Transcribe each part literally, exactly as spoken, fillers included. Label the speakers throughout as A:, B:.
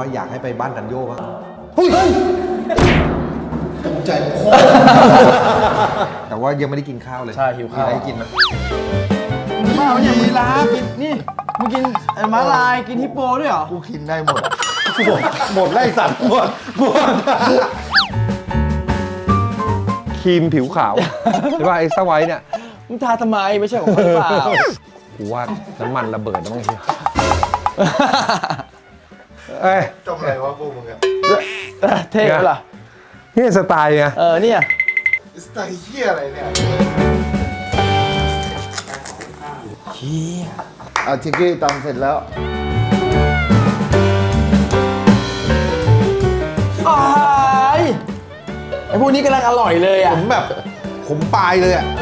A: ว่าอยากให้ไปบ้านดันโย่บ้าง
B: เฮ้ยใจคอ
A: แต่ว่ายังไม่ได้กินข้าวเลย
C: ใช่หิวข้าว
A: มีอะไรกินไหม
C: มาเนี่ยมีลากินนี่มึงกินม้าลายกินฮิปโปด้วยเหรอ
B: กูกินได้หมดหมดไล่สัตว์หมดหมด
A: ครีมผิวขาวหรือว่าไอ้สไวท์เนี่ย
C: มึงทาทำไมไม่ใช่ของมึงเปล่า
A: กูว่าน้ำมันระเบิดนะมั้งเอ้ย
B: จบอะไรวะพวกมึงอะ
C: เท่เหรอ
A: นี่สไตล์ไง
C: เออเนี่ย
B: สไตล์เหี้ยอะไรเนี่ย
C: เหี้ย
B: อาทิกี้ตำเสร็จแล้ว
C: ไอ้ไอ้พวกนี้กำลังอร่อยเลยอ่ะ
A: ผมแบบผมปลายเลยอ่ะ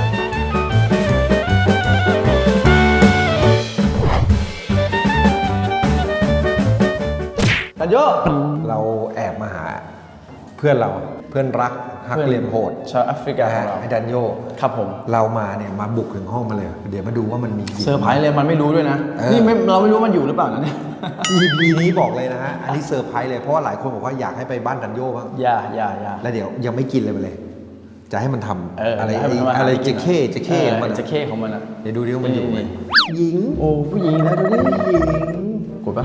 C: ดันโย่
A: เราแอบมาหาเพื่อนเราเพื่อนรักหักเหลี่ยมโหด
C: ชาวแอฟริกาของเรา
A: ไอ้ดันโย่
C: ครับผม
A: เรามาเนี่ยมาบุกถึงห้องมาเลยเดี๋ยวมาดูว่ามันมี
C: เซอร์ไพรส์เลยมันไม่รู้ด้วยนะนี่ไม่เราไม่รู้มันอยู่หรือเปล่านะเนี่ย
A: อี พี นี้บอกเลยนะฮะอันนี้เซอร์ไพรส์เลยเพราะว่าหลายคนบอกว่าอยากให้ไปบ้านดันโย่บ้าง
C: อย่าอย่าอย่า
A: แล้วเดี๋ยวยังไม่กินเลยไปเลยจะให้มันทำอะไร
C: อะไร
A: เจเค้เจเค้
C: มันเจเค้ของมันอ่ะ
A: เดี๋ยวดูดิว่ามันอยู่ไหมหญิง
C: โอ้ผู้หญิงนะดูดิหญิงกดปะ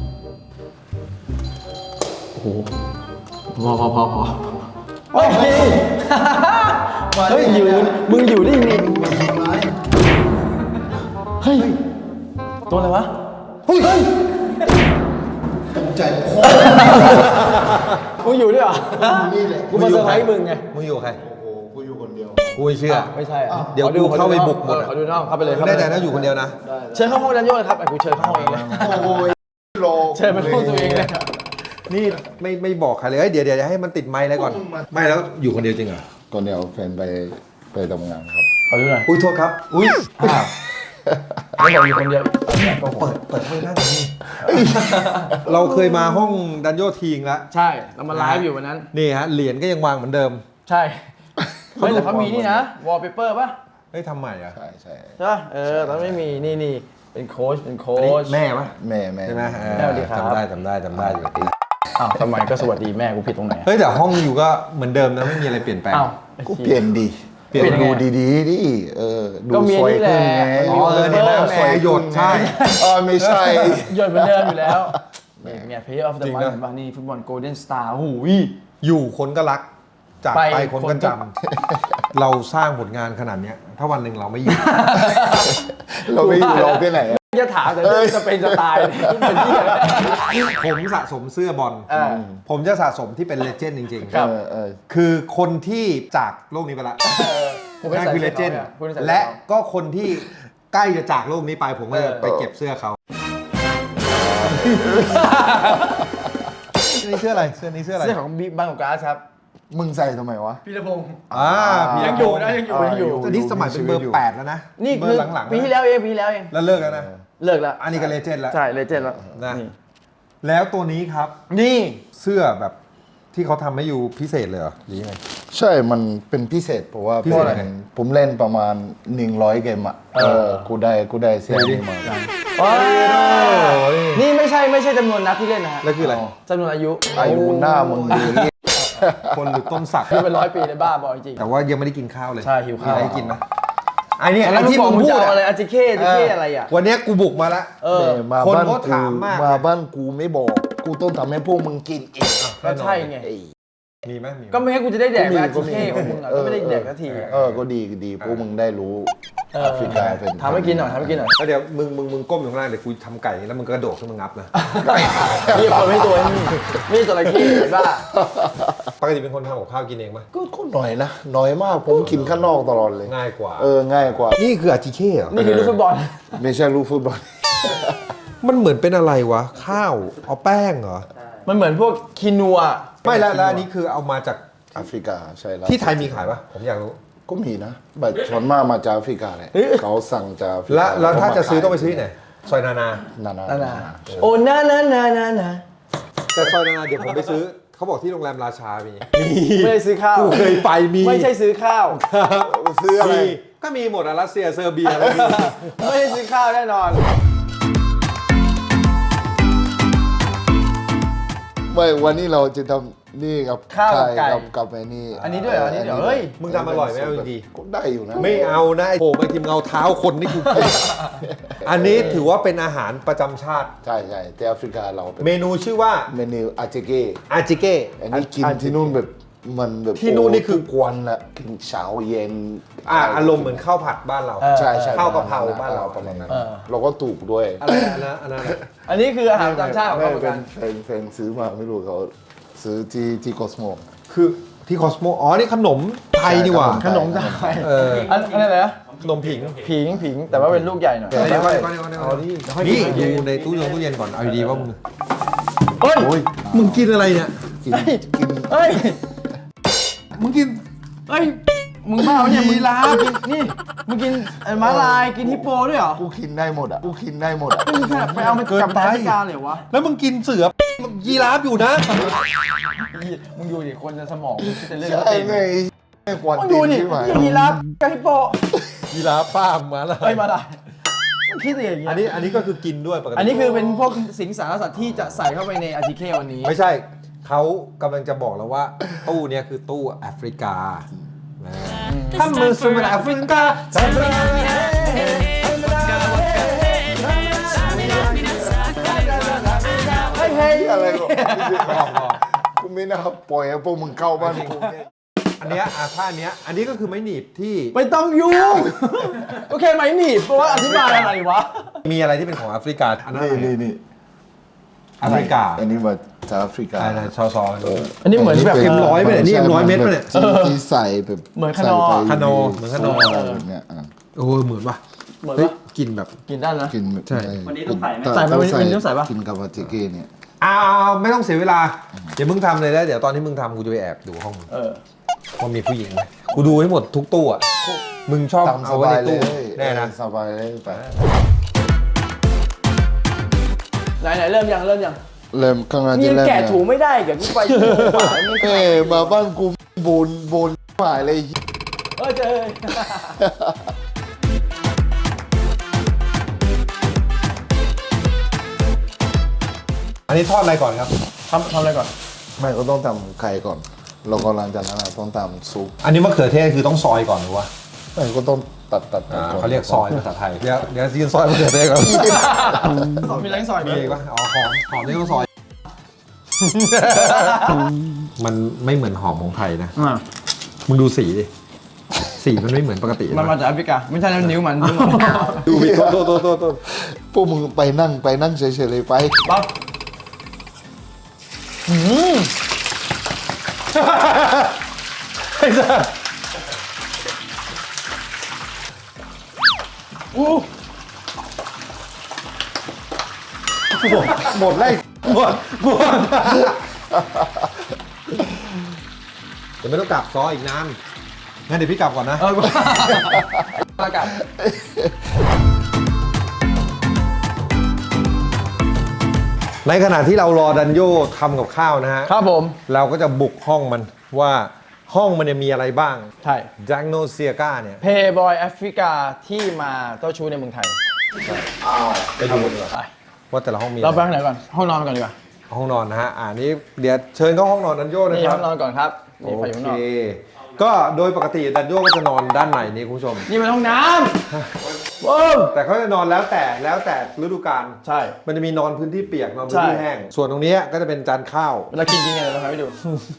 C: โอ้โหพอพอพอพอเฮ้ยเฮ้ยอยู่มึงอยู่ได้ยังไงเฮ้ยตัวอะไรวะ
B: เฮ้ยใจคอ
C: มึงอยู่ด้วยเหรอ
B: นี่แหละ
C: กูมาเซอร์ไพรส์มึงไง
A: มึงอยู่ใคร
B: โอ้กูอยู่คนเดียว
A: กูไม่เชื่อ
C: ไม่ใช่
A: เดี๋ยวดูเข้าไปบุกหมด
C: เขาดูน้องเข้าไปเลย
A: ได้แต่นะอยู่คนเดียวนะ
C: เชิญเข้าห้องดันโย่เลยครับไอ้กูเชิญเข้าห้องเองเลย
B: โอ้ยโล
C: เชิญมาห้องตัวเองเลย
A: นี่ไม่ไม่บอกใครเลยเดี๋ยวเดี๋ยวให้มันติดไมค์แล้วก่อนไม่แล้วอยู่คนเดียวจริงเหรอ
B: คนเดียวแฟนไปไปทำงานครับ
C: ขอดูหน่อย
A: อุ้ยโทษครับอุ้ยอ้าว
C: ไม่บอกอยู่คนเดียว
A: เปิดเปิดห้องนั่งนี่เราเคยมาห้องดันโย่ทีงแล้ว
C: ใช่เรามาไลฟ์อยู่วันนั้น
A: นี่ฮะเหรียญก็ยังวางเหมือนเดิม
C: ใช่เฮ้ยแต่เขามีนี่นะวอลเปเปอร์ป่ะ
A: เฮ้ยทำใหม่อ่ะ
B: ใช่ใช่
C: ใช่เออแต่ไม่มีนี่นี่เป็นโค้ชเป็นโค้ช
A: แม่ป่ะ
B: แม่แม่
A: ใช่ไหม
C: แม่สวัสดีครับ
A: จำได้จำได้จำได้อยู่
C: อ้าวทำไมก็สวัสดีแม่กูผิดตรงไหน
A: เฮ้ยแต่ห้องอยู่ก็เหมือนเดิมนะไม่มีอะไรเปลี่ยนแปลง
B: กูเปลี่ยนดี
A: เปลี่ยน
B: ดูดีๆดิเออดูสวยขึ้นไง
C: อ๋อเออเนี่ย
A: สวยหยดใช่
B: อ๋อไม่ใช่
C: หยดเหมือนเดิมอยู่แล้วเนี่ย Player of the Month เห็นป่ะนี่ฟุตบอล Golden Star โอ้โห
A: อยู่คนก็รักจากไปคนก็จำเราสร้างผลงานขนาดนี้ถ้าวันหนึ่งเราไม่อยู่
B: เราไม่อยู่เราไปไหน
C: จะถามแต่จะเป็นจะตายเป็นที่อะไร
A: ผมสะสมเสื้อบอลผมจะสะสมที่เป็นเลเจนด์จริงๆ
C: ครับ
A: คือคนที่จากโลกนี้ไปละนั่นคือเลเจนด์และก็คนที่ใกล้จะจากโลกนี้ไปผมก็จะไปเก็บเสื้อเขานี่เสื้ออะไรเสื้อนี้เสื้ออะไร
C: เสื้อของบิ๊กบังของการ์ดครับ
B: มึงใส่ทำไมวะ
C: พีรพงศ์
A: อ่า
C: ยังอยู่นะยังอยู่ยังอยู่
A: ตอนนี้สมัยเป็นเบอร์แปดแล้วนะ
C: นี่คือปีที่แล้วเองปีที่แล้วเอง
A: แล้วเลิกแล้วนะ
C: เลิกแล้ว
A: อันนี้ก็เลเจนด์แล้ว
C: ใช่เลเจนด์แล้ว
A: นะแล้วตัวนี้ครับ
C: นี่
A: เสื้อแบบที่เขาทำให้อยู่พิเศษเลยเหรอหรือยังไง
B: ใช่มันเป็นพิเศษเพราะว่าผมเล่นประมาณหนึ่งร้อยเกมอ่ะเออกูได้กูได้เสื้อนี้มา
C: นี่ไม่ใช่ไม่ใช่จำนวนนัดที่เล่นนะฮะ
A: แล้วคืออะไร
C: จำนวนอายุ
B: อายุหน้ามึงดี
A: คนหรือต้นสัก
C: ที่เป็นร้อยปีในบ้าบอจริง
A: แต่ว่ายังไม่ได้กินข้าวเลย
C: ใช่หิวข้าว
A: ได้กินไหมไอ้นี่
C: ไอ้ที่มึงพูดอะไรอาจิเค้อาจิเค้อะไรอ่ะ
A: วันนี้กูบุกมาแล้ว
B: คนก็ถามมากมาบ้านกูไม่บอกกูต้องทำให้พวกมึงกินอีก
C: ก็ใช่ไง
A: มีไหม
C: ก็ไม่ให้กูจะได้แดกอาจิเค้ของมึงอ่ะก็ไม่ได้แดกสักที
B: เออก็ดีดีพวกมึงได้รู้แอฟริกาเป็น
C: ทำให้กินหน่อยทำให้กินหน่อย
A: แล้วเดี๋ยวมึงมึงมึงก้มอยู่ข้างล่างเดี๋ยวกูทำไก่แล้วมึงก็กระโดดขึ้นมางับนะ
C: นี่คนไม่ตัวนี่ไม่ตัวอะไรขี้บ้า
A: ปกติเป็นคนทำกับข้าวกินเองไหม
B: ก็หน่อยนะน้อยมากผมกินข้างนอกตลอดเลย
A: ง่ายกว่า
B: เออง่ายกว่า
A: นี่คืออาจิเค้เหรอ
C: นี่คือลูกฟุตบอล
B: ไม่ใช่ลูกฟุตบอล
A: มันเหมือนเป็นอะไรวะข้าวเอาแป้งเหรอ
C: มันเหมือนพวกคีนัว
A: ไม่แล้วแล้วอันนี้คือเอามาจาก
B: แอฟริกาใช่แล้ว
A: ที่ไทยมีขายปะผมอยากรู้
B: ก็มีนะแบบส่วนมากมาจากแอฟริกาเลยเขาสั่งจากแอฟริกา
A: แล้วถ้าจะซื้อต้องไปซื้อไหนซอยนานา
B: นานา
C: นาโอ้นานานานานา
A: แต่ซอยนานาเดี๋ยวผมไปซื้อเขาบอกที่โรงแรมราชามี
C: ไม่ได้ซื้อข้าว
A: กูเคยไปมี
C: ไม่ใช่ซื้อข้าว
B: ซื้ออะไร
A: ก็มีหมดอะรัสเซียเซอร์เบีย
C: ไม่ได้ซื้อข้าวแน่นอน
B: ไม่วันนี้เราจะทำนี่กับ
C: ข้าวกับไก่
B: กับกับไอ้นี่
C: อันนี้ด้วยเหรออันนี้เดี๋ยวเฮ้ย
A: มึงทำอร่อยไหมเอาดี
B: ก็ได้อยู่นะ
A: ๆไม่เอานะไอ้โผล่ไปทีมเงาเท้าคนนี่กูกินอันนี้ถือว่าเป็นอาหารประจำชาติ
B: ใช่ใช่แต่แอฟริกาเราเป็น
A: เมนูชื่อว่า
B: เมนูอาเจเก้
A: อาจิเก้
B: อันนี้กินที่นู่นแบบมันแบบ
A: ที่นู่นนี่คือ
B: โทุกวันละกินเช้าเย็น
A: อ่าอารมณ์เหมือนข้าวผัดบ้านเรา
C: เออ
B: ใช่ใช่
A: ข้าวกะเพราบ้านเรา
B: ประมาณนั้น
C: เออ
B: เราก็ถูกด้วย
A: อะไรอันนั้นอันนั้นอะไร
C: อันนี้คืออาหารประจำชาติของเขาเหมือน
B: เป็
C: กัน น
B: แฟนแฟนซื้อมาไม่รู้เขาซื้อที่ที่คอสโม
A: คือที่คอสโมอ๋อนี่ขนมไทยนี่หว่า
C: ขนมไทย
A: เออ
C: อันอันนี้อะไรนะ
A: ขนมผิง
C: ผิงผิงแต่ว่าเป็นลูกใหญ่หน่อย
A: เดี๋ยวก่อนเดี๋ยวก่อนเดี๋ยวก่อนเดี๋ยวก่อนนี่ดูในตู้เย็นตู้เย็นก่อนเอาดีๆว่ามึง
C: เฮ้ย
B: โอ้ย
A: มึงกินอะไรเนี่ย
B: กินกิน
C: เฮ้ย
A: มึงกิน
C: เฮ้ยมึงบ้าปะเนี่ยมึง
A: ยีราฟ
C: กินนี่มึงกินเอ่อม้าลายกินฮิปโปด้วยเหรอ
B: กูกินได้หมดอ่ะกูกินได้หมดอ่ะ
C: มึงขนาดไปเอามา
A: เกิน
C: จับ
A: ไป
C: แอฟริกาเลยวะ
A: แล้วมึงกินเสือยีราฟอยู่นะ
C: มึงดูดิคนจะสมองมึงคิดแต่เรื่อง
B: ใช่ไงไม่ควร
C: มึง
B: ติ
C: ดู
B: ด
C: ดิ
B: ใช่ไหม
C: ยีราฟกับฮิปโป
A: ยีราฟป้ามมาแล้ว
C: เฮ้ยมาได้มึงคิดอะไรอย่างเงี้ย
A: อันนี้อันนี้ก็คือกินด้วยปกติ
C: อันนี้คือเป็นพวกสิงสารสัตว์ที่จะใส่เข้าไปในอาทิเควันนี้
A: ไม่ใช่เขากำลังจะบอกแล้วว่า ตู้เนี้ยคือตู้แอฟริกาถ้ามือซูมแอฟริกา
C: เฮ้ยเฮ้ย
B: อะไรก็กูไม่น่าปล่อยให้พวกมึงเข้าบ้านกูเนี่ย
A: อันเนี้ยอ่ะถ้าอันเนี้ยอันนี้ก็คือไม้หนีบที่
C: ไม่ต้องยุ่งโอเคไหมหนีบเพราะว่าอธิบายอะไรวะ
A: มีอะไรที่เป็นของแอฟริกาอันนั้น
B: นี่
A: อะไร
B: นี่นี่
A: แอฟริกา
B: อันนี้มาจากแอฟริกา
A: อะไรซอซอ
C: อันนี้เหมือนแบบ
A: เอ็มร้อยไปเนี่ยนี่เอ็มร้อยเม็ดไปเนี่ย
B: ที่ที่ใส่แบบ
C: เหมือนขนม
B: ใส่ไป
A: ขนมเหมือนขนม
B: แบบเนี้ยอ่ะ
A: โอ้ยเหมือนว่ะ
C: เหมือน
A: เฮ้ย
C: ว่า
A: กินแบบ
C: กินได้นะ
B: กินแบบ
A: ใช่
D: วันนี้ต้องใส่ไหม
C: ใส่ไหมวันนี้วันนี้ต้องใส่ปะ
B: กินกับอาจิเก้เนี่ย
A: อ้าวไม่ต้องเสียเวลาเดี๋ยวมึงทำเลยแล้วเดี๋ยวตอนที่มึงทำกูจะไปแอบดูห้องมึง
C: เออ
A: ว่ามีผู้หญิงไหมกูดูให้หมดทุกตู้อ่ะมึงชอบ
B: ตามส
A: เอาไว้
B: บา
A: ใน
B: ยเล
A: ตู้
B: ย
A: แน่นะ
B: สบายเลยไป
C: ไหนไหนเริ่มยังเริ่มยัง
B: เริ่มข้างหน้า
C: นี่
B: จะ
C: ยัง
B: เริ่ม
C: แกะ
B: แล้ว
C: ถูไม่ได้กับกูไปชั่วโมงกว่าไม่
B: เอ้ยมาบ้านกูบนบนหายเลย
C: เออเจอ
A: อันนี้ทอดอะไรก่อนครับ
C: ทำทำอะไรก่อน
B: ไม่ก็ต้องทำไข่ก่อนแล้วก็หลังจากนั้นอะต้องทำซุป
A: อันนี้มะเขือเทศคือต้องซอยก่อนหรือวะ
B: ไม่ก็ต้องตัดตัดตัด
A: อ่า
B: ก่อน
A: เขาเรียกซอยภาษาไทยเดี๋ยวเดี๋ยวซีนซอยมะเขือเทศก่อน
C: มีแรงซอยไหม
A: มีอีกปะอ๋อหอมหอมนี่ต้องซอย มันไม่เหมือนหอมของไทยนะ
C: อ่า
A: มึงดูสีดิสีมันไม่เหมือนปกติ
C: มันมาจากแอฟริกาไม่ใช่นิ้วมันนิ้วมัน
A: ดูดิโตโตโตโต
B: พวกมึงไปนั่งไปนั่งเฉยๆเลยไป
C: ปั๊บอืม
A: ไอ้สัส
C: อู้
A: หมดเลยหมดหมดเดี๋ยวไม่ต้องกลับซอยอีกนานงั้นเดี๋ยวพี่กลับก่อนนะ
C: เออประกาศ
A: ในขณะที่เรารอดันโยทำกับข้าวนะฮะ
C: ครับผม
A: เราก็จะบุกห้องมันว่าห้องมันเนี่ยมีอะไรบ้าง
C: ใช่
A: แจ็คโนเซียกาเนี่ย
C: เพย์บอยแอฟริกาที่มาเจ้าชู้ในเมืองไทย
A: ไปดูดีกว่า
C: ไป
A: ว่าแต่ละห้องมี
C: เราไป
A: อะไร
C: ข้างไหนก่อน ห้องนอนก่อนดีกว่า
A: ห้องนอนนะฮะอ่านี้เดี๋ยวเชิญเข้าห้องนอนดันโยนะ
C: นี่
A: ครั
C: ห้
A: บ
C: องนอนก่อนครับ
A: โอ
C: นี่ไฟอยู่ข้างน
A: เค
C: อก
A: ก็โดยปกติดันโยก็จะนอนด้านในนี่คุณผู้ชม
C: นี่มันห้องน้ำว้าว
A: แต่เขาจะนอนแล้วแต่แล้วแต่ฤดูกาล
C: ใช่
A: มันจะมีนอนพื้นที่เปียกนอนพื้นที่
C: ใช่
A: แห้ง ส่วนตรงนี้ก็จะเป็นจานข้าว
C: เวลากินกินไงเราทำให้ดู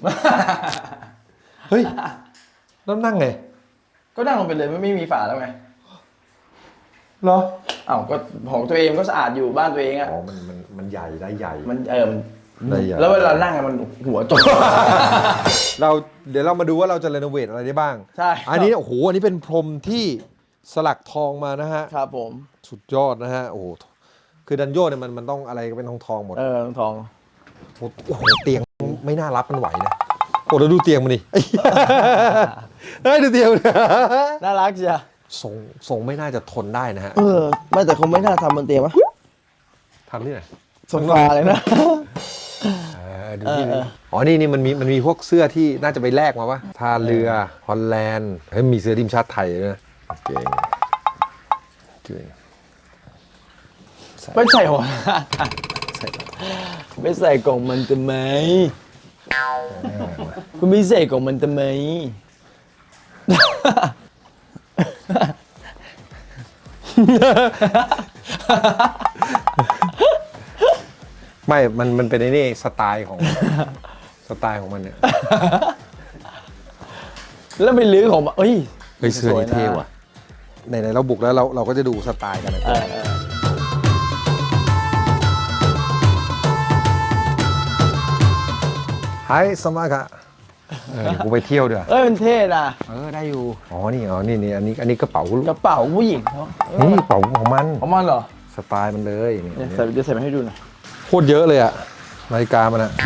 A: เฮ้ยแล้วนั่งไง
C: ก็นั่งลงไปเลยไม่ไม่มีฝาแล้วไง
A: เหรอ
C: อ้าวก็ของตัวเองก็สะอาดอยู่บ้านตัวเองอ่ะ
A: อ๋อมันมันมันใหญ่ได้ใหญ่
C: มันเออมัน
A: ได้ใหญ่
C: แล้วเวลานั่งอะมันหัวจม
A: เราเดี๋ยวเรามาดูว่าเราจะรีโนเวทอะไรได้บ้าง
C: ใช่
A: อันนี้โอ้โหอันนี้เป็นพรมที่สลักทองมานะฮะ
C: ครับผม
A: สุดยอดนะฮะโอ้โหคือดันโยเนี่ยมันมันต้องอะไรก็เป็นทองทองๆหมด
C: เออทอง
A: โอ้โหเตียงไม่น่ารับมันไหวนะโอ้แล้วดูเตียงมันดิ เฮ้ยดูเตียงมัน
C: น่ารักจ้ะ
A: ทรงทรงไม่น่าจะทนได้นะฮะ
C: เออไม่แต่คงไม่น่าทำบนเตียงวะ
A: ทำที่ไหน
C: โซฟาเลยนะ
A: เออดูที่
C: เออเอ
A: นี่
C: อ
A: อ๋อนี่นี่มันมีมันมีพวกเสื้อที่น่าจะไปแลกมาปะท่าเรือฮอลแลนด์เฮ้ยมีเสื้อทีมชาติไทยด้วยนะเก่งเก่ง
C: ไม่ใช่หัว
A: ใส่
C: ไม่ใส่กล่องมันทำไมคุณไม่ใส่กล่องมันทำไม
A: ไม่ มันมันเป็นไอ้นี่สไตล์ของ สไตล์ของมันเนี่ย
C: แล้วไปลื้อของมาเอ้ย
A: เฮ้ยเสื้อนี่เท่ว่ะไหนๆเราบุกแล้วเราเราก็จะดูสไตล์กันนะ
C: เออเออ
A: ไฮสมัครเออเดี๋ยวกูไปเที่ยวเดี๋ยว
C: เอ้ยมันเท่นะ
A: เออได้อยู่อ๋อนี่อ๋อนี่นี่อันนี้อันนี้กระเป๋าก
C: ระเป๋าผู้หญิงเขาเออ
A: นี่กระเป๋าของมัน
C: ของมันเหรอ
A: สไตล์มันเลยนี่
C: เนี่ยใส่เดี๋ยวใส่มาให้ดูหน่อย
A: โคตรเยอะเลยอะนาฬิกามันอะ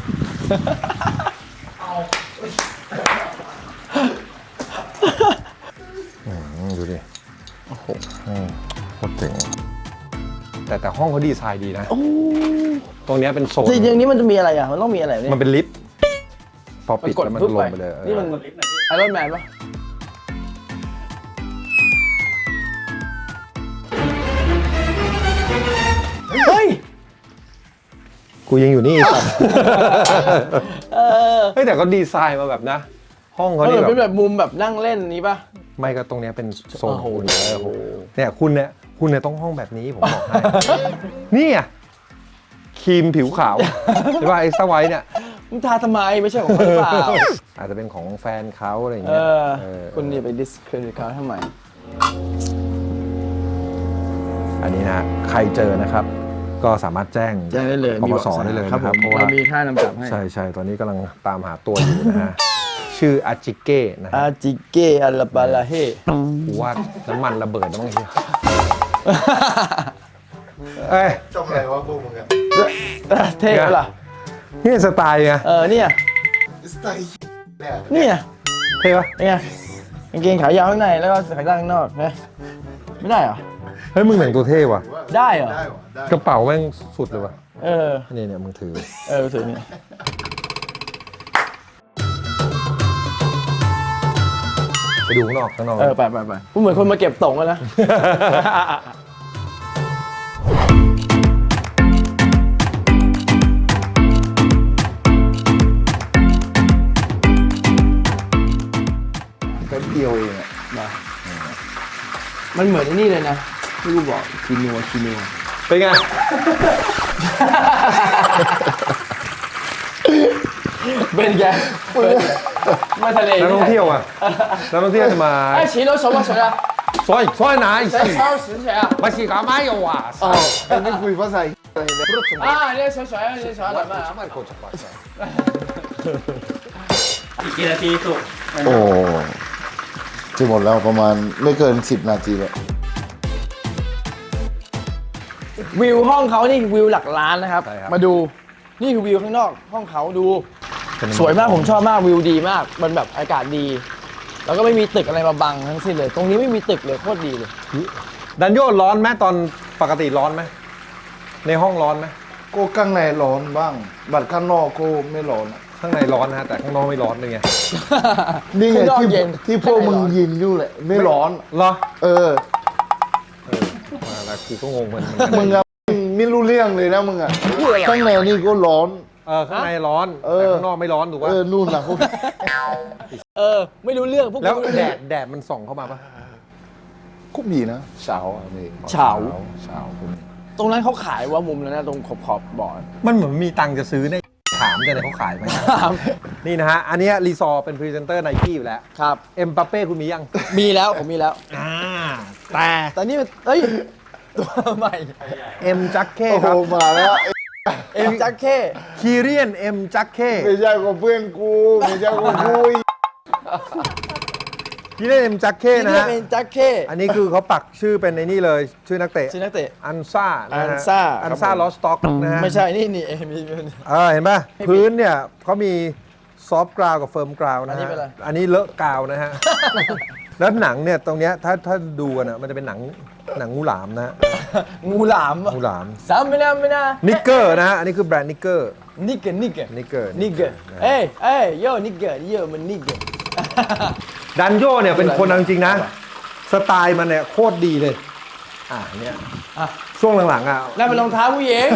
A: อืมดูดิโอ้โหโคตรเจ๋งแต่แต่ห้องเขาดีไซน์ดีนะ
C: โอ้
A: ตรงเนี้ยเป็นโซน
C: จริงๆนี้มันจะมีอะไรอ่ะมันต้องมีอะไรเนี่ย
A: มันเป็นลิฟต์พอปิด
C: กด
A: แล้วมัน
C: ปุ๊บ
A: ลงไปเลยเออ
C: นี่มันไอรอนแมนปะเฮ้ย
A: กูยังอยู่นี่สัตว์
C: เออ
A: เฮ้ยแต่เขาดีไซน์มาแบบนะ ห้องเขา
C: เอ
A: นี่
C: อ
A: แบ
C: เป็น
A: บ
C: แบบมุมแบบนั่งเล่นนี้ปะ
A: ไม่ก็ตรงเนี้ยเป็นโซน
C: โอ้โห
A: คุณเออโอ้โหเนี่ยคุณเนี่ยคุณเนี่ยต้องห้องแบบนี้ผมบอกให้ นี่อ่ะครีมผิวขาวใช่ป่ะไอ้สไวท์เนี่ย
C: มึงทาทำไมไม่ใช่ของเขาหรือเปล่า
A: อาจจะเป็นของแฟนเขาอะไรอย่าง
C: เอ
A: เงี้ย
C: อ
A: เออ
C: คุณนี่ไปดิสเครดิตเขาทำไม
A: อันนี้นะใครเจอนะครับ ก็สามารถแจ้ง
C: แจ้งได้เลย
A: ป
C: มี
A: ป
C: เบาะ
A: ส
C: แส
A: ได้เลย
C: ครับ
A: นะครับ
C: ผม
A: เพราะว่า
C: เรามีค่านำจับให้
A: ใช่ใช่ตอนนี้กำลังตามหาตัวอยู่นะฮะ ชื่ออาจิเก้นะ
C: อา
A: ฮะ
C: จิเกะอัลลาบาลาเฮ
A: กูว่าน้ำมันระเบิดนะมั้งเฮียเอ้ย
B: จำอะไรวะพวกมึงอะ
C: เท่ปะล่ะ
A: นี่สไตล์ไง
C: เออเนี่ย
B: สไตล์เนี่ย
C: เนี่ย
A: เท่ปะ
C: เป็นไงกางเกงขายาวข้างในแล้วก็ขายาวข้างนอกนะไม่ได้เหรอ
A: เฮ้ยมึงแต่งตัวเท่ว่ะ
C: ได้เหรอ
B: ได้วะได้
A: กระเป๋าแม่งสุดเลยว่ะ
C: เออ
A: นี่เนี่ยมึงถือ
C: เออถือเนี่ย
A: ไปดูข้างนอกข้างนอก
C: เออไปไปไปกูเหมือนคนมาเก็บตงกันนะ
B: แป๊บเดียวเองอะ
C: มามันเหมือนไอ้นี่เลยนะที่กูบอกคีนัวคีนัว
A: เป็นไง
C: เป็นไงมาทะเล
A: นักท่องเที่ยวอ่ะนักท่องเที่ยวจะมา
C: ไอ้ฉีโร่什么水啊？
A: ซอยซอยไหน
C: 在超市水啊？
A: มาฉีกาไม่เอาว่ะ
B: อ๋อไอ้นี่คุยภาษาอะไรเนี่ย
C: 啊，那个水水啊，那个水啊，怎么啊？
A: มันโคตรจะปัด
D: อีกกี่นาทีสุก
B: โอ้จะหมดแล้วประมาณไม่เกินสิบนาทีแล้ว
C: วิวห้องเขานี่วิวหลักล้านนะครับ มาดู นี่คือวิวข้างนอกห้องเขาดู สวยมากผมชอบมากวิวดีมาก มันแบบอากาศดี แล้วก็ไม่มีตึกอะไรมาบังทั้งสิ้นเลย ตรงนี้ไม่มีตึกเลยโคตรดีเลย
A: ดันโยร้อนไหมตอนปกติร้อนไหมในห้องร้อนไหม
B: ก็ข้างในร้อนบ้าง บัดข้างนอกก็ไม่ร้อนอะ
A: ข้างในร้อนนะฮะแต่ข้างนอกไม่ร้อนเลยไง
B: นี่ไง
C: ข้างนอก
B: ที่
C: เย็น
B: ที่พวกมึงยินอยู่แหละ ไม่ร้อน
A: เหรอ
B: เออ
A: เออมาแล้วกูก็งงเหมือนกัน
B: มึงอะไม่รู้เรื่องเลยนะมึงอะข้างในนี่ก็ร้อน
A: เออข้างในร้อน
B: เอ
A: แต่
B: อ
A: ข้างนอกไม่ร้อนถูก
B: เอ
A: ป่ะ
B: อนู่นนะเขา
C: เออ ไม่รู้เรื่องพวก
A: แล้ว
C: กูไม่รู้
A: แด
C: เรื่อง
A: ดแดดมันส่องเข้ามาป่ะ
B: คุบมีนะเช้าอะนี่
C: เช้า
B: เช้าคุณ
C: ตรงนั้นเขาขายว่ามุมนั้นนะตรงขอบขอบๆบ่อ
A: มันเหมือนมีตังค์จะซื้อเนี่ยถามกันเลยเขาขายไหมนี่นะฮะอันเนี้ยรีซอร์เป็นพรีเซนเตอร์ไนกี้อยู่แล้ว
C: ครับ
A: เอ็มบัปเป้คุณมียัง
C: มีแล้วผมมีแล้ว
A: อ่าแต่
C: แต่นี่มันเอ้ย ตัวใหม่
A: เอ็มจักเก้
B: โอ้
A: ค
B: โห
A: รับ
B: มาแล้ว
C: เอ็มจักเก้
A: คีเรียนเอ็มจักเก้
B: ไม่ใช่ของเพื่อนกูไม่ใช่ของกูอีก
A: คีเรียนเอ็มจักเก้
C: ที่
A: นะ
C: เรียก
A: ฮะ
C: เป็นจักเก้
A: อันนี้คือเขาปักชื่อเป็นในนี่เลยชื่อนักเตะ
C: ชื่อนักเตะ
A: อันซ่านะฮะ
C: อันซ่า
A: อันซ่า
C: ครับผม
A: ลอสต็อกนะฮะ
C: ไม่ใช่นี่นี่เอ็มมี
A: เออเห็นป่ะพื้นเนี่ยเขามีซอฟต์กราวกับเฟิร์มกราว
C: อั
A: นะ
C: นนี้
A: ฮะ
C: เป็นอะไร
A: อันนี้เลอะกาวนะฮะ แล้วหนังเนี่ยตรงเนี้ยถ้าถ้าดูกันอ่ะมันจะเป็นหนังหนังงูหลามนะฮะ
C: งูหลาม
A: งูหลาม
C: สามไม่น่าไม่น่า
A: นิกเกอร์นะฮะอันนี้คือแบรนด์นิกเกอร์
C: นิกเกอร์นิกเกอร์
A: นิกเกอร์
C: นิกเกอร์เอ้ยเอ้ยโย่นิกเกอร์โย่มันนิกเกอร์
A: ดันโยเนี่ยเป็นคนเอาจริงๆนะ สไตล์มันเนี่ยโคตรดีเลย อ่าเนี่ย
C: อ่ะ
A: สช่วงหลังๆอ่ะ
C: นั่นเป็นรองเท้าผู้หญิง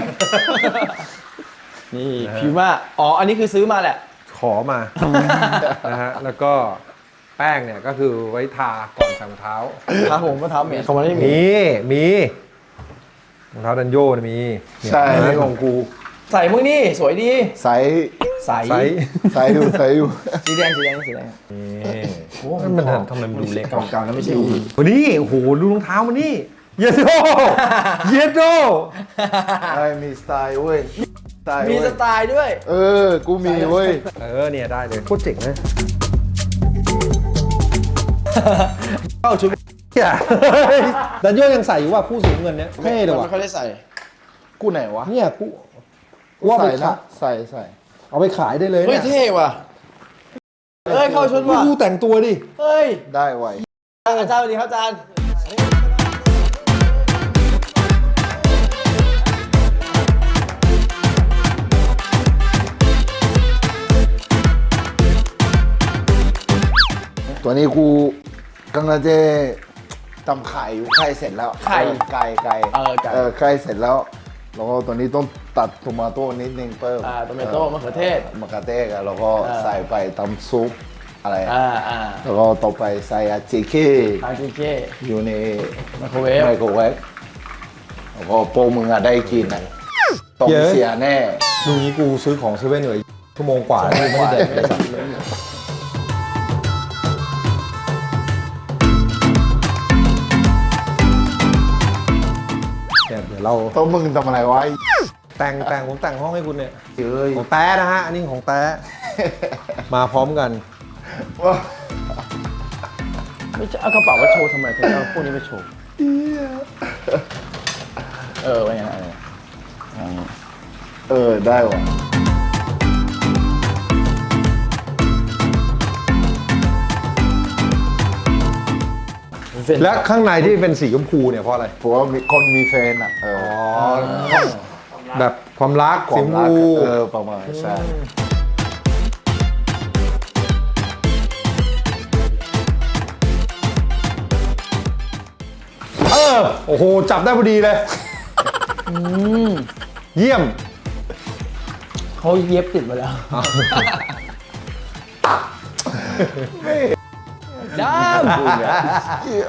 C: นี่พิวมาอ๋อ อันนี้คือซื้อมาแหละ
A: ขอมา นะฮะแล้วก็แป้งเนี่ยก็คือไว้ทาก่อนใส่รองเท้า
C: ครับผมก็เท้าเหม็นเขาไม่ได้มี
A: มีมีรองเท้าดันโยนะมีเนี่ย
B: ใช่
A: นี่ของกู
C: ใส่มึงนี่สวยดี
B: ใส่
C: ใส่
A: ไซส์
B: ใส่อยู่ใส่อยู่
C: สีแดงสีแดงสีแดง
A: นี่
C: โอ้
A: มันทำไมมันดูเล็ก
C: เก่าๆแล้วไม่ใช่อู
A: วันนี้โอ้โหดูรองเท้ามันนี่เยโดเยโด
B: ไอ้มีสไตล์เว้ยสไตล์
C: มี
B: เว้
C: ส
B: ย
C: ไตล์ด้วย
B: เออ กูมีเว้ย
A: เออเนี่ยได้เลยโคตรเจ๋งเลยเข้าชุดเนี่ยดันโยยังใส่อยู่ว่าผู้สูงเงินเนี่ยเท่เลย
C: มัน
A: ว่ะ
C: ไม่ค่อยได้ใส่
B: กูไหนวะ
A: เนี่ยกูว่าไป
B: ใส่
A: ขา
B: นะ
A: ย
B: ใส่ใส่
A: เอาไปขายได้เลย
C: เฮ้ย
A: เนี่ย
C: เท่ว่ะ เฮ้ย เข้าชุดว่ะ
A: ดูแต่งตัวดิ
C: เฮ้ย
B: ได้ไว
C: อาจารย์สวัสดีครับอาจารย์
B: ตัวนี้กูกำลังจะทำไข่อยู่ไข่เสร็จแล้ว
C: ไข่
B: เออไก่ไก่
C: เออไก่
B: เออไข่เสร็จแล้วแล้วก็ตัวนี้ต้องตัดโทมาโต้นิดนึงเพิ่ม
C: อ่าโตเมโต้มะเขือเทศ
B: มะเขือเทศอะแล้วก็
C: อ่า
B: ใส่ไปตำซุปอะไร
C: อ่าอ่า
B: แล้วก็ต่อไปใส่อาจิเก้
C: อาร์ติเค
B: อยู่ใน
C: ไมโครเวฟ
B: ไมโครเวฟแล้วก็โปรมึงอะได้กินนะต้องเสียแน่
A: ดูนี้กูซื้อของเซเว่นเลยชั่วโมงกว่าที่ไม่ได้แดกเลยสัตว์เนี่ยเดี๋ยวเรา
B: ต้องมึงทำอะไรวะ
A: แต่งแต่งผมแต่งห้องให้คุณเนี่ย
B: เอ้ย
A: ของแต้นะฮะ อันนี้ของแต้มาพร้อมกัน
B: ว่า
C: ไม่ใช่เอากระเป๋ามาโชว์ทำไมถึงเอาพวกนี้ไปโชว์ เออไว้ไงนะอันนี้
B: เออได้ว่ะ
A: และข้างในที่เป็นสีชมพูเนี่ยเพราะอะไร
B: เพราะว่ามีคนมีแฟนอ่ะเออ
A: อ๋อ แบบความรัก
B: ควา
A: สีช
B: ม
A: ม
B: รัก
A: พู
B: เออประมาณใช่
A: เออ โอ้โห จับได้พอดีเลย เยี่ยม
C: เขาเย็บติดมาแล้วดำ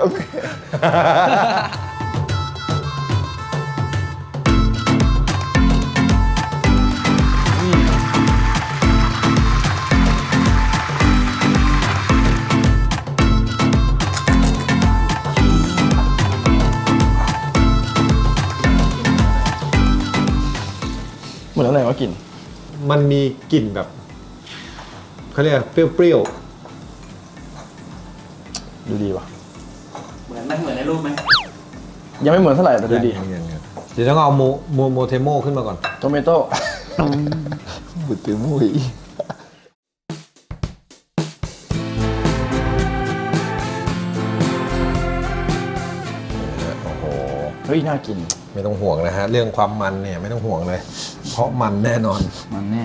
C: เหมือนอะไรวะกลิ่น
A: มันมีกลิ่นแบบเขาเรียกเปรี้ยว
C: ดูดีว่ะ
D: เหมือนไหมเหมือนในรูปไหม
C: ยังไม่เหมือนเท่าไหร่แต่
A: ๆ
C: ดูดี
A: เดี๋ยวต้องเอาโมโมโมเทโมขึ้นมาก่อน
C: โตเมโต้
B: บุตรมุ้ย
A: โอ้โห
C: เฮ้ย น่ากิน
A: ไม่ต้องห่วงนะฮะ เรื่องความมันเนี่ยไม่ต้องห่วงเลย เพราะมันแน่นอน
C: มันแน่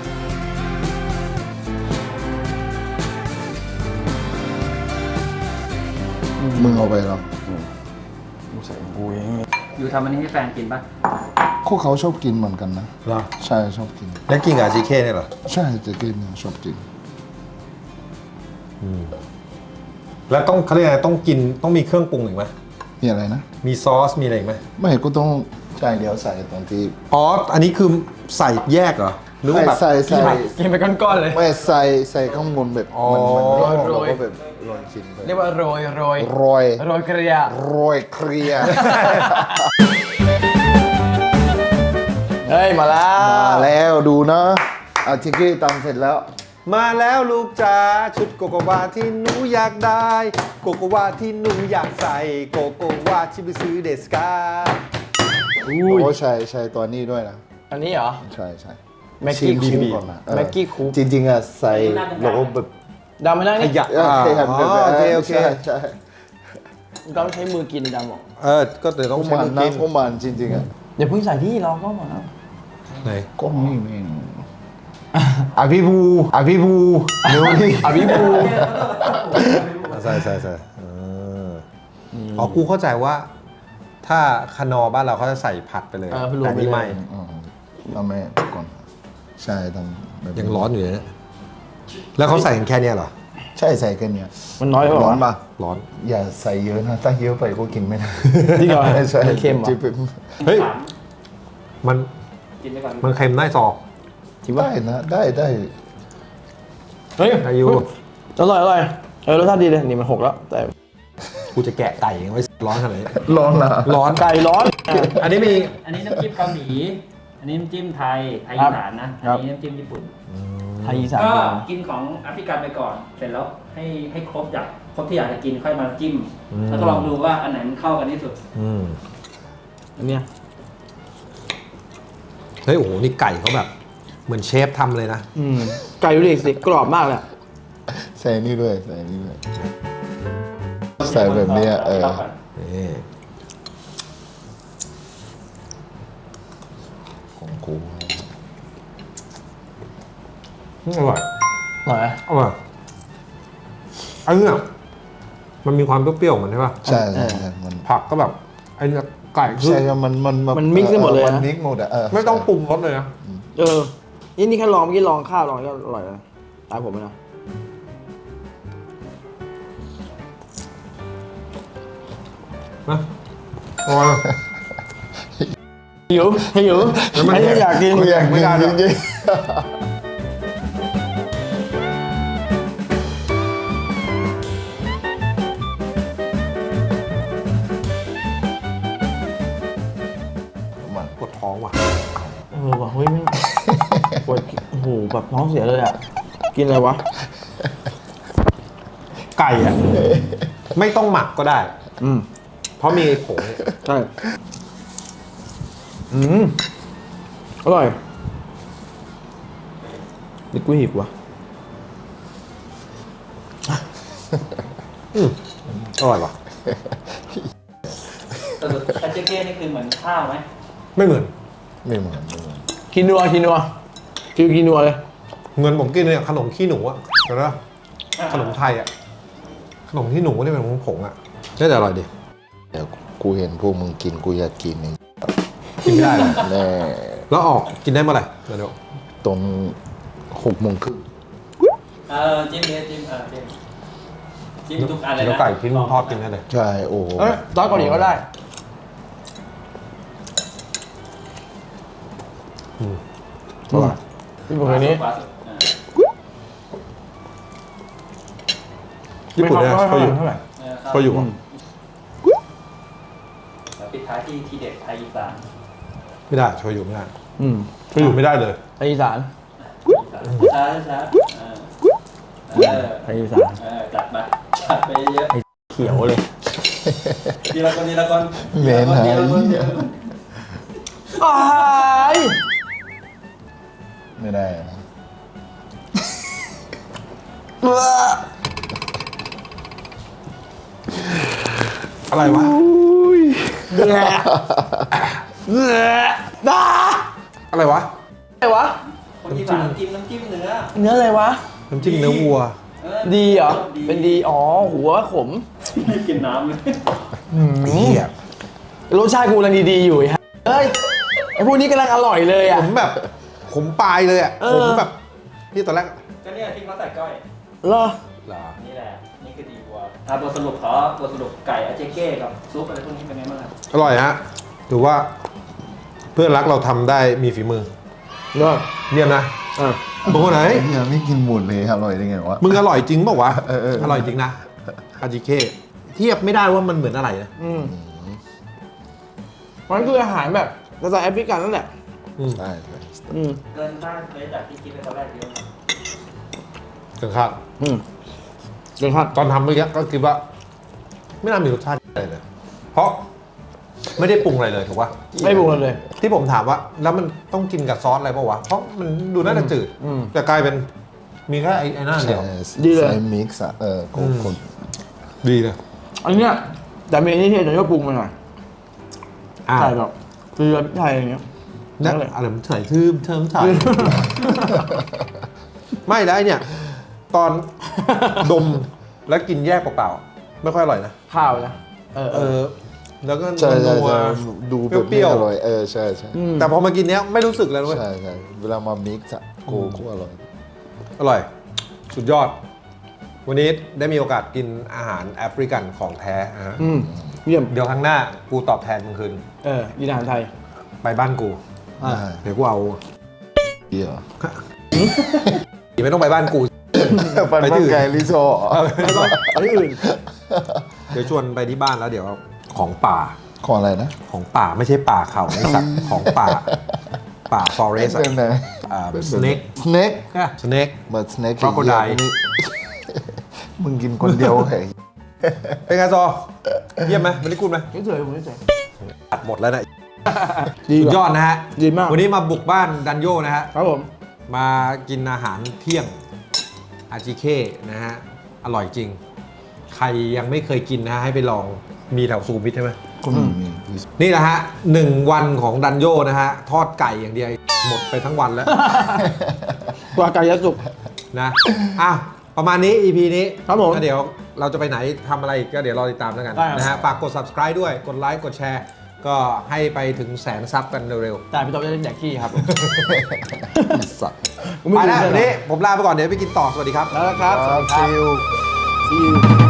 B: มึงเอาไปหรอ
C: กูใส่ของกูเอง
D: อยู่ทำอันนี้ให้แฟนกินป่ะ
B: พวกเขาชอบกินเหมือนกันนะ
A: เหรอ
B: ใช่ชอบกิน
A: แล้วกินกับอาจีเคเนี่ยเหรอ
B: ใช่จะกินชอบกิน
A: แล้วต้องเขาเรียกอะไรต้องกินต้องมีเครื่องปรุงอีกไหม
B: มีอะไรนะ
A: มีซอสมีอะไรอีกไหม
B: ไม่ก็ต้องใช่เดี๋ยวใส่ตอนที่
A: อ๋อ อันนี้คือใส่แยกเหรอ หรือว่าแบบ
B: ใส่ใส่ใส่
C: กินไปก้อนๆเลย
B: ไม่ใส่ใส่ข้างบนแบบ
A: อ๋อ
B: มันมัน
C: โรยๆ
B: เราก็แบบโรยกินไป
C: เรียกว่าโรยโรย
B: โรย
C: โรยเกลีย
B: โรยเคลียร์
C: เฮ้ย มาแล้ว
B: มาแล้วดูนะอาทิกี้ตำเสร็จแล้ว
A: มาแล้วลูกจ๋าชุดโกโกวาที่หนูอยากได้ โกโกวาที่หนูอยากใส่ โกโกวาที่ไปซื้อเดสกา
C: อุ้ย
B: โอ้ใช่ใช่ตัวนี้ด้วยนะ
C: อันนี้เหรอ
B: ใช่ใช่
C: แม็กกี้
B: ชิม
C: คูป
B: ก่อนนะเออ
C: แม็กกี้คูป
B: จริงๆอะใส่โลโก้แบบ
C: ดำไม่ได้
A: ข
C: นี่
A: ยะ
B: เออ
A: อ่า
B: เคยเห็น
A: อ๋
B: แบบ
A: อโอเคโอเค
B: ใช่ใช่
C: ดำใช้มือกินดำบอก
A: เออ ก็เดี๋ยว
B: พ
A: ต้
B: ว
A: อง
B: ก
A: ใช้
B: มัน
A: มือ
B: นะ
A: กิน
B: พวกมันจริงๆอะ
C: อย่าเพิ่งใส่ที่รอก็มาแล้ว
A: ไหน
B: ก็นี่เองอ่ะพี่ภูอ่ะพี่ภูเร็วดิ
C: อภิบู
A: ใส่ใส่ใส่เอออ๋อ กูเข้าใจว่าถ้าคานอบ้านเราเขาจะใส่ผัดไปเลย
C: เออรวม
A: แต่
C: ไป
A: นี่
C: เลย
A: ไม่
B: อ๋อเราไม่ก่อนใช่ต้องแบบ
A: ยังร้อนอยู่เลยนะแล้วเขาใส่กันแค่เนี้ยเหรอ
B: ใช่ใส่แค่เนี้ย
C: มันน้อยไป
B: ร้อน
C: ปะ
B: ปะ
A: ร้อน
B: อย่าใส่เยอะนะถ้าเยอะไปก็กินไม่ได้
C: จริงเหรอ
B: ใช่
C: มันเค็มเหรอ
B: จิ๊บ
A: เฮ้ย
D: ถาม
A: มัน
D: กินไปก่อน
A: มันเค็มได้ซอ
C: จริงปะ
B: ได้นะได้ได้
C: เฮ้ย
A: อายุ
C: อร่อยอร่อยเออรสชาติดีเลยนี่มันหกแล้ว แต่
A: กูจะแกะไก่ไว้ร้อนขนาดนี้
B: ร้อนนะ
A: ร้อน
C: ไก่ร้อน
A: อันนี้มี
D: อันนี้น้ำจิ้มเกาหลี อันนี้น้ำจิ้มไทย ไทย
C: ครั
D: อี
C: บ
D: สานนะ
C: ครั
D: อั
C: บ
D: นนี้น้ำจิ้มญี่ปุ่น
C: ไทยอีสาน
D: ก็กินของแอฟริกันไปก่อน เสร็จแล้วให้ให้ครบอยากครบที่อยากจะกินค่อยมาจิ้ม แล้วก็ลองดูว่าอันไหนมันเข้ากันที่สุด
A: อืม
C: อันเนี้ย
A: เฮ้ยโอ้โหนี่ไก่เขาแบบ เหมือนเชฟทำเลยนะ
C: อืมไก่ดูดิสิกรอบมากเลยอะ
B: ใส่นี่ด้วยใส่นี่ด้วยใส่แบบเนี้ยเออ
A: นี่
B: ของกู
A: อร่อย
C: อร่อยไหม
A: อร่อยอันเนี้ยมันมีความเปรี้ยวๆของมันใช่ป่ะ
B: ใช่ใช่ใช่มัน
A: ผักก็แบบไอ้เนี่ยไก่คือ
B: ใช่ครับมันมัน
C: มันมิกซ์กันหมดเลยนะ
B: มันมิกซ์หมดอะเออ
A: ไม่ต้องปรุงรสเลยนะ
C: เออ นี่นี่แค่ลองเมื่อกี้ลองข้าวลองก็อร่อยแล้วตามผมเลยนะ
A: นะอร่อย
C: หิวหิว
A: แล้วมัน
C: ไอ้นี่อยากกิน
B: กูอยาก
A: ไม่
B: กิน
A: ได้หรอก
B: จริงๆมัน
A: ปวดท้องว่ะ
C: เออว่ะเฮ้ยไม่งปวดโอ้โหแบบท้องเสียเลยอ่ะ กินอะไรวะ
A: ไก่อะไม่ต้องหมักก็ได้
C: อืม
A: เพราะมีไอ้ผง
C: ใช่ อืม อร่อยนี่กูหิวว่ะ
A: อืมอร่อยว่ะ
D: แต่คาเจเก้นี่คือเหมือนข้าวไหม
A: ไม่เหมือน
B: ไม่เหมือนไม่เหมือน
C: กินนัวกินนัวฟิวกินนัวเลย
A: เงินผมกินเนี่ยขนมขี้หนูอะเห็นไหมขนมไทยอะขนมขี้หนูที่เป็นผงๆอะน่าจะอร่อยดี
B: เดี๋ยวกูเห็นพวกมึงกินกูอยากกินเอง
A: กินไม่ได้เลย
B: แน่
A: แล้วออกกินได้เมื่อไหร่เดี๋ยว
B: ตรงหกโมงครึ่ง
D: เออจิ้มเลยจิ้มเออจิ้มจิ้มทุกอันเลย
A: เดี๋ยว
D: นะ
A: ไก่ทิ้งทอดกินได้เลย
B: ใช่โอ้โห
C: เอ้ยซอสเกาหลีก็ได้
A: อืม
C: อร่อยที่ผมอันนี้
D: ขวาสุดอ่า
A: ญี่ปุ่นเนี่ย
C: ไม่
A: เขาอยู่
C: เท่าไหร่
D: เออ
A: เขาอยู่อะ
D: แล้วปิดท้ายที่ทีเด็ดไทยอีสาน
A: ไม่ได้เขาอยู่ไม่ได้
C: อืม
A: เขาอยู่ไม่ได้เลย
C: ไทยอีสาน
D: ช้าช้าเออเออ
C: ไทยอีสาน
D: เออจัดไปจัดไปเยอะ
C: เขียวเลย
D: ๆทีละคนทีละคน
B: เหม็นหา
D: ทีละคนที
B: ย
D: ละคน
C: อ้าย
B: ไม่ได้นะ
A: อะไรวะ
C: เนื้อเนื้อน้า
A: อะไรวะ
C: อะไรวะ
D: คนที่สามจิ้มน้ำจิ้มเนื้อ
C: เนื้ออะไรวะ
A: น้ำจิ้มเนื้อวัว
D: เออ
C: ดีเหรอ เป็นดี อ๋อ หัวขม
D: ไม่กินน้ำเลย
A: เหี้ย
C: รสชาติกูกำลังดีๆอยู่ไอ้ฮะเฮ้ย ไอ้พวกนี้กำลังอร่อยเลย
A: ผ
C: อ่ะ
A: มแบบผมปลายเลยอะ
C: เอ
A: ผ
C: อ
A: มแบบที่ตอนแรก
D: ก็เนี่ยที่เขาใส่ก้อย
C: เหรอ
A: เหรอ
D: นี่แหละ นี่คือดีวัวอ่ะบทสรุปขอบทสรุปไก่อาเจเก้กับซุปอะไรพวกนี้เป็นไงบ้างครับ
A: อร่อยฮะถือว่า เพื่อนรักเราทำได้มีฝีมือ
C: เหรอ
A: เยี่ยมนะ
C: อ่ะ
A: บางคนไหน
B: ยังไม่กินหมดเลยอร่อยได้ไงวะ
A: มึงอร่อยจริงเปล่าวะ
B: เออเออ
A: อร่อยจริงนะอาจิเคเทียบไม่ได้ว่ามันเหมือนอะไรนะ
C: อืมมันคืออาหารแบบภาษาแอฟริกันนั่นแหละ
A: อืม
B: ใช่ใช่
C: อืม
D: เกินคาดเลยจากที่คิดไปตอนแรกเยอะ
A: เกินคาด
C: อืมเดี๋ยวครับ
A: ตอนทำเมื่อกี้ก็คิดว่า ไม่น่ามีรสชาติอะไรเลย เพราะไม่ได้ปรุงอะไรเลยถูกป่ะ
C: ไม่ปรุงเลย
A: ที่ผมถามว่า แล้วมันต้องกินกับซอสอะไรป่าวะ เพราะมันดูน่าจะจืด
C: อืม
A: แต่กลายเป็นมีแค่ไอ้ไอ้นั่นเดียว
C: ดีเลย
B: ใส่มิกซ์อะเออก็
A: อืม
B: คน
A: ดีเลย
C: อันเนี้ยแต่เมนูที่เห็นจะปรุงมาหน่อย
A: อ่า
C: ใส่แบบเกลือพริกไทยอะไรเงี้ย
A: นั่น
C: นั่นแหละ
A: อะไรมันเฉยทืมเทิมถ่าย ไม่แล้วไอ้เนี่ย ตอน ดมแล้วกินแยกเปล่าๆไม่ค่อยอร่อยนะ
C: ข้าวนะ เออ
A: เอ
C: เออ
A: อแล้วก็
B: ใช่ใช่
A: นัว
B: ใช่ดูแบบ
A: เปรี้
B: ไม่
A: ยว
B: อร่อยเออใช่ใช่
A: ๆแต่พอมากินเนี้ยไม่รู้สึกเลยเว้ย
B: ใช่ใช่เวลามามิกซ์อะโกโก้อร่อย
A: อร่อย สุดยอด วันนี้ได้มีโอกาสกินอาหารแอฟริกันของแท้นะฮะ
C: อืมเยี่ยม
A: เดี๋ยวครั้งหน้ากูตอบแทนมึงคืน
C: เออกินอาหารไทย
A: ไปบ้านกู
C: อ่า
B: ได้
A: เดี๋ยวกูเอา
B: เยี่ย
A: ไม่ต้องไปบ้านกู
B: ปัน
A: ไป
B: ปั
A: ที่
B: น
A: อื่น
B: ไก่ลิโซ
C: แล้วก็อันนี้อื่น
A: เดี๋ยวชวนไปที่บ้านแล้วเดี๋ยวของป่า
B: ของอะไรนะ
A: ของป่าไม่ใช่ป่าเขาไอสัตว์ของป่า ป่าฟอเรสต์
B: เป็นไง
A: อ่าสเน็ก
B: สเน็ก
A: สเน็ก
B: บัตสเน็ก
A: Crocodile
B: มึงกินคนเดียวเหรอ
A: เป็นไงซอ เยี่ยมไหมไม่ได้กูดไหม
C: เฉยๆผมเฉย
A: ตัดหมดแล้วนะ
C: ๆดี
A: สุด
C: ว่ะ
A: ยอดนะฮะ
C: ดีมาก
A: วันนี้มาบุกบ้านดันโยนะฮะ
C: ครับผม
A: มากินอาหารเที่ยงอาจิเคนะฮะ อร่อยจริง ใครยังไม่เคยกินนะฮะให้ไปลองมีแถวสุขุมวิทใช่ไหม
B: อืม
A: นี่แหละฮะหนึ่งวันของดันโยนะฮะ ทอดไก่อย่างเดียวหมดไปทั้งวันแล้ว
C: ตัวไก่ยะสุก
A: นะอ่ะประมาณนี้ อี พี นี้
C: ครับผม
A: แล้วเดี๋ยวเราจะไปไหนทำอะไรอีกก็เดี๋ยวรอติดตามแล้วกัน
C: ได้ครับ
A: นะฮะฝากกด subscribe ด้วยกดไลค์กดแชร์ ก็ให้ไปถึงแสนซับกันเร็ว
C: แต่พี่ต๊อบจะเล่นแดกขี้ครับ
B: สัตว์
C: ผม
A: ๆ
C: ไม่
A: ไป
C: รู้
A: แล้ว
C: เรื่อง
A: เดี๋ยวนี้ผมลาไปก่อนเดี๋ยวไปกินต่อ สวัสดีครับ
C: แล้วนะครับ สวัสดีครับ
B: ซิล
C: See you